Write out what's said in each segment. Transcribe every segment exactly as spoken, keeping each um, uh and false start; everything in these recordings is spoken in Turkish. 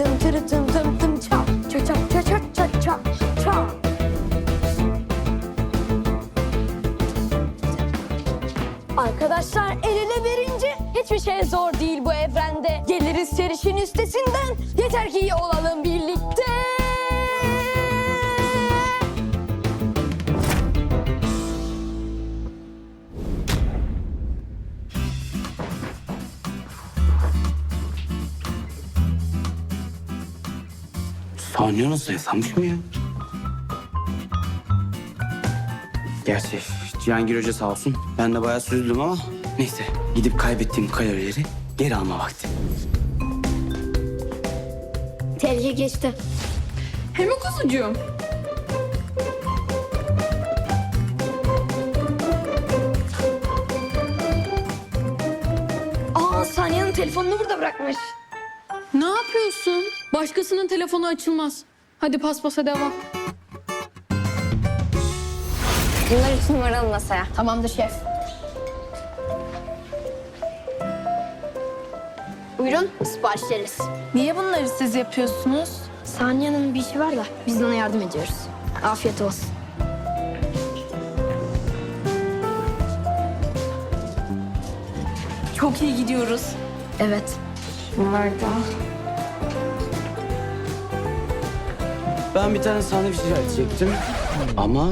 tım tırı tım tım tım çap. Çap çap çap çap çap çap çap. Arkadaşlar el ele verince hiçbir şey zor değil bu evrende. Geliriz serişin üstesinden, yeter ki iyi olalım birlikte. Saniye nasıl yasamış mı ya? Gerçi Cihangir Hoca sağ olsun. Ben de bayağı süzdüm ama neyse. Gidip kaybettiğim kalorileri geri alma vakti. Tehlike geçti. Hem o kuzucuğum. Aa, Saniye'nin telefonunu burada bırakmış. Ne yapıyorsun? Başkasının telefonu açılmaz. Hadi paspasa devam. Bunlar üç numaralı masaya. Tamamdır şef. Buyurun, siparişleriz. Niye bunları siz yapıyorsunuz? Saniye'nin bir işi var da biz de ona yardım ediyoruz. Afiyet olsun. Çok iyi gidiyoruz. Evet. Bunlar da. Ben bir tane sandviç rica edecektim. Ama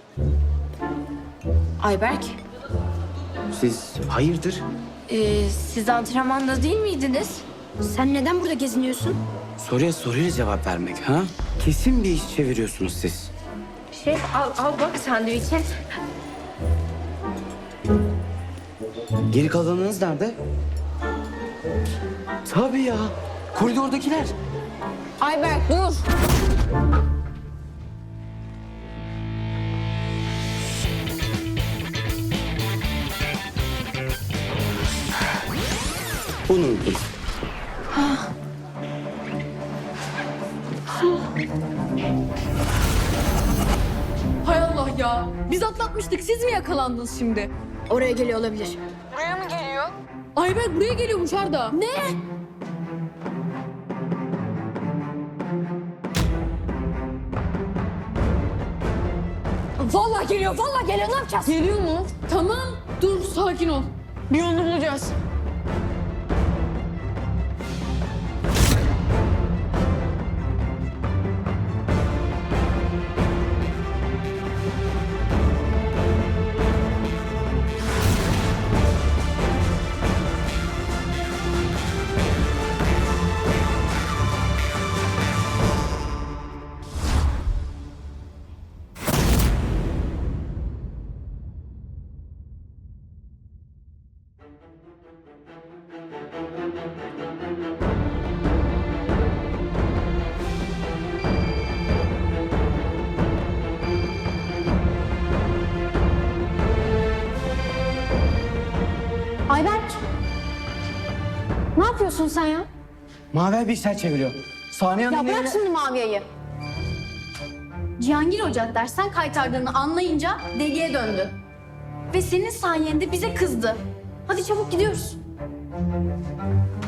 Ayberk, siz hayırdır? e, siz antrenmanda değil miydiniz? Sen neden burada geziniyorsun? Soruya soruyla cevap vermek ha? Kesin bir iş çeviriyorsunuz siz. Şef al, al bak sandviçe. Geri kalanınız nerede? Tabii ya. Koridordakiler. Ayberk dur. Bunu unuttum. Hay Allah ya. Biz atlatmıştık. Siz mi yakalandınız şimdi? Oraya geliyor olabilir. Ayberk buraya geliyormuş Arda. Ne? Vallahi geliyor, vallahi geliyor. Ne yapacağız? Geliyor mu? Tamam. Dur sakin ol. Bir yolunu bulacağız. Ayberk. Ne yapıyorsun sen ya? Maver bir işler çeviriyor. Saniye Ya Hanım'ın bırak eline- şimdi Maviye'yi. Cihangir Hoca dersten kaytardığını anlayınca deliye döndü. Ve senin sayende bize kızdı. Hadi çabuk gidiyoruz.